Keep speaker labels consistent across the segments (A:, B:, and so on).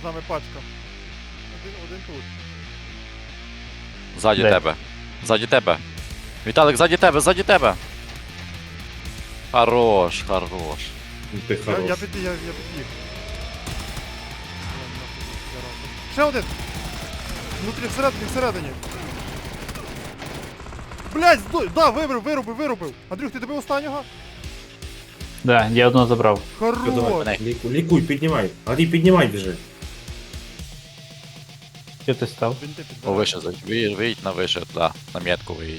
A: нами пачка. Один тут.
B: Ззаді
C: Де?
B: тебе. Ззаді тебе. Віталик, ззаді тебе, ззаді тебе. Хорош, хорош.
D: Ти
A: Я
D: хорош.
A: підбіг. Я нахуй зараза. Ще один! Внутрі, всередині. Блядь, да, вирубив. Андрюх, ти добив останнього?
C: Да, я одного забрав.
A: Хорош!
D: Давай, лікуй, піднімай. Андрій, піднімай біжи.
C: Що ти став?
A: Бінти
B: О,
A: підбирай.
B: вище, виїдь на вище, да, на метку виїдь.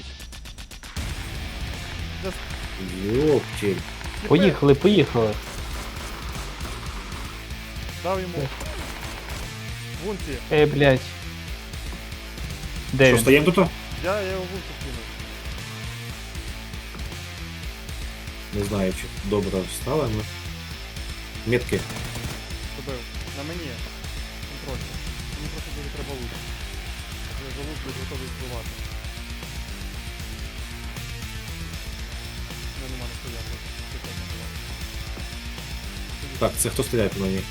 D: Йоптіль.
C: Поїхали, поїхали.
A: Дав йому. Вунці.
C: Блядь. Де
D: Що,
C: він?
D: стаємо тут?
A: Я його вунці кинув.
D: Не знаю, чи добре встали, але... Метки.
A: Добив. На мені. Контроль. Мені просто дуже треба лут. Я за лут буду готовий збивати. Я нема не стояв.
D: Так, це хто стріляє по мені?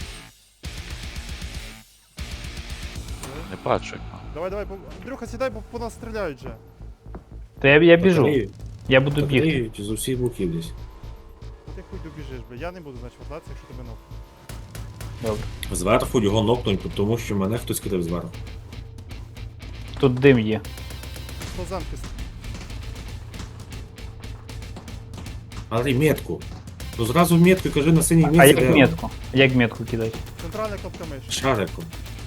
B: Не бачу.
A: Давай, Андрюха, сідай, бо по нас стріляють же.
C: Та я біжу.
D: Батарею-
C: Я буду бігти.
D: батарею з усіх боків десь.
A: Ти хуй добіжиш, бля. Я не буду, значить, вертатися, якщо тебе ног.
C: Добре.
D: Зверху його нокнуть, тому що мене хтось кидав зверху.
C: Тут дим є.
A: Поземки.
D: Андрій, метку. Ну зразу метку, кажи на синій
C: А
D: місці.
C: як метку? Як метку кидати?
A: Центральна кнопка миші.
D: Шариком.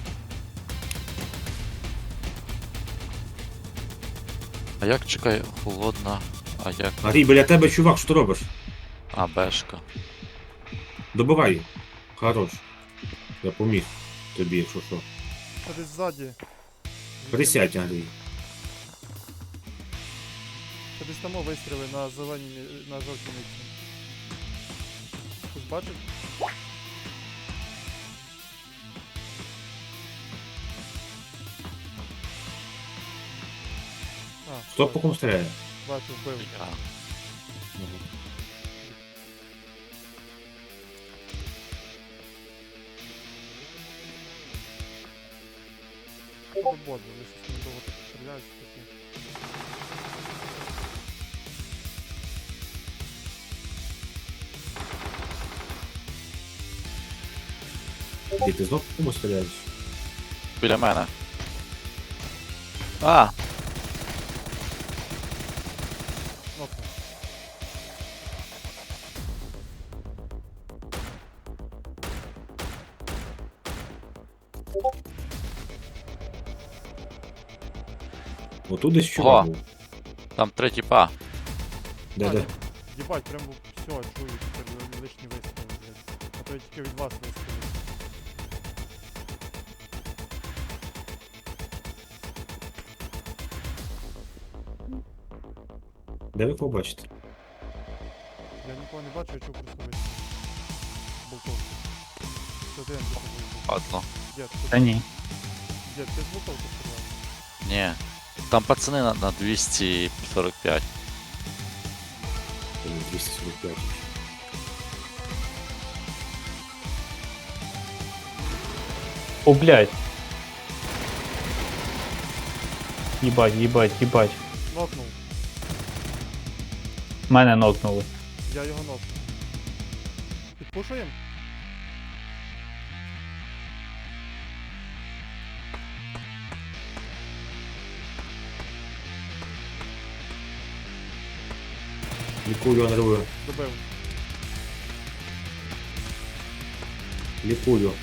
B: А як, чекай, холодна, а як...
D: Андрій, біля тебе чувак, що ти робиш?
B: А, бешка.
D: Добивай. Хорош. Я поміг тобі, якщо що.
A: Та десь ззаді.
D: Присядь, Андрій.
A: Та десь там вистріли на зеленій, на жовтій місці. Хтось бачить? А,
D: Хто
A: все,
D: по кому стріляє?
A: бачу, вбив.
B: Я.
A: Це бот, бо ви щось не довго так стріляють. такі.
D: І ти знов по кому стріляєш?
B: Біля мене. А,
A: Нокнув.
D: Отут десь чувак
B: О.
D: був.
B: там третій па.
D: Де?
A: Єбать, прям все, чую, тепер лишні вистріли, блядь. А то я тільки від вас вистрілив.
D: Де ви побачите?
A: Я нікого не бачу, я чув просто вистріл. Болтовку. Це ти, Андрюха, був.
B: Ладно.
A: Дід,
C: Та ні.
A: Дід, ти з болтовки стріляв?
B: Ні. Там пацани на 245.
D: 245.
C: О, блядь. Їбать, їбать, їбать.
A: Нокнув.
C: Мене нокнули.
A: Я його нокнув. Підпушуємо?
D: Лікую, Андрію.
A: Добив.
D: Лікую.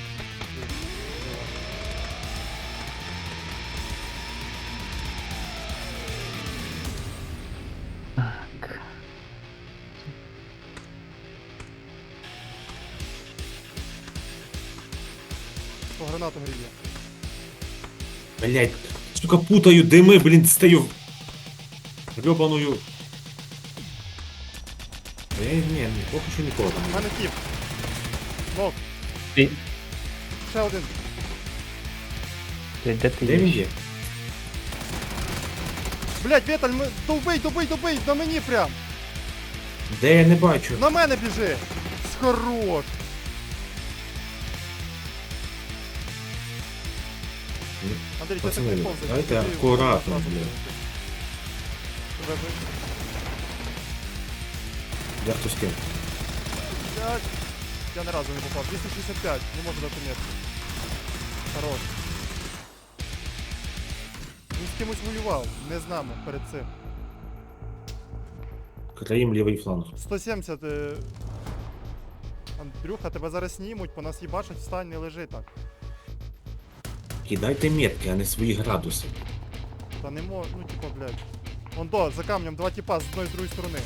A: По гранату гріє.
D: Блять, сука, путаю дими, блін, стою. Гребаною. Ні, поки що нікого там
A: У
D: немає.
A: мене тіп. Нок.
C: Ти,
A: Ще один.
C: де ти
D: Де він
C: є?
D: є?
A: Блять, Віталь, добий, на мені прям.
D: Де я не бачу?
A: На мене біжи. Хорош. Андрій, ти
D: Пацани,
A: так не повзай.
D: давайте
A: тобі
D: акуратно,
A: одразу
D: блін.
A: прилетить. Тебе ви-
D: Я хтось ким.
A: Блядь. Я ні разу не попав. 265, не можу дати метку. Хорош. Він з кимось воював, не з нами перед цим.
D: Країм лівий фланг.
A: 170. Андрюха, тебе зараз знімуть, по нас їбачать, встань, не лежи так.
D: Кидайте метки, а не свої градуси.
A: Та не можу, ну типа, блядь. Вон до, за камнем, два типа з одної з другої сторони.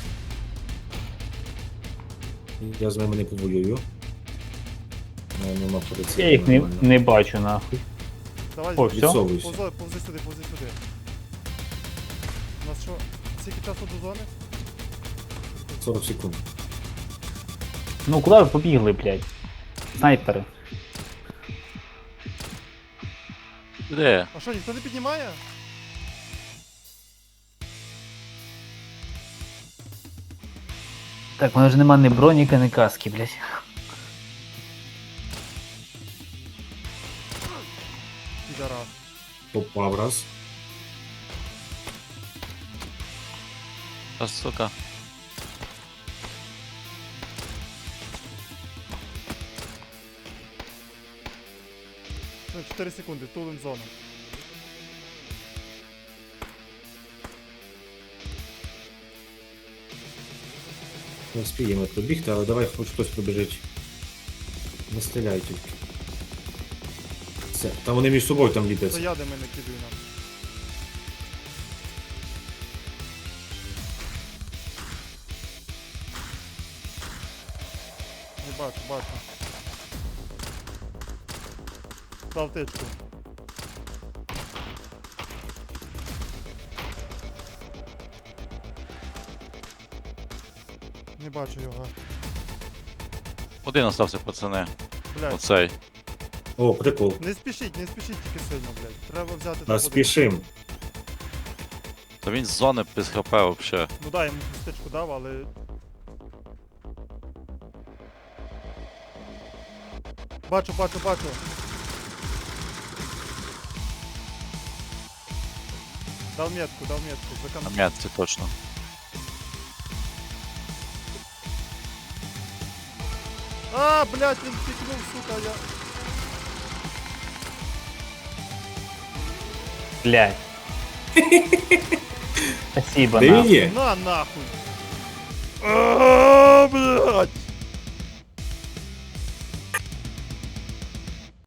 D: Я з ними не повоюю. Нема поліції.
C: Я їх не бачу нахуй.
A: Давай,
C: О, все?
D: Відсовуйся.
A: повзи сюди, повзи сюди. У нас що, скільки часу до зони?
D: 40 секунд.
C: Ну куди ви побігли, блядь? Снайпери.
B: Де?
A: А що, ніхто не піднімає?
C: Так, воно ж нема ні броніка, ні каски, блядь.
A: Підарас.
D: Попав раз.
B: Та сука.
A: Ну, 4 секунди, тулим зону.
D: Не вспіємо пробігти, але давай хоч хтось пробіжить. Не стріляй тільки. Все. Там вони між собою там
A: То
D: ліпляться.
A: я де мене кидаю нам. Не бачу, бачу. Дав тичку. Не бачу його.
B: Один остався, пацани.
A: Блядь.
B: Оцей.
D: О, прикол.
A: Не спішіть тільки сильно, блядь. Треба взяти
D: А
A: топ-1.
D: спішим.
B: Та він з зони без хп вообще.
A: Ну да, йому стичку дав, але. Бачу, бачу, бачу. Дав метку, за
B: На
A: камнем.
B: м'ятці точно.
A: А, блядь, він пікнув, сука, я.
C: Блядь. Спасибо,
D: Де він
C: нахуй.
D: є?
A: На нахуй!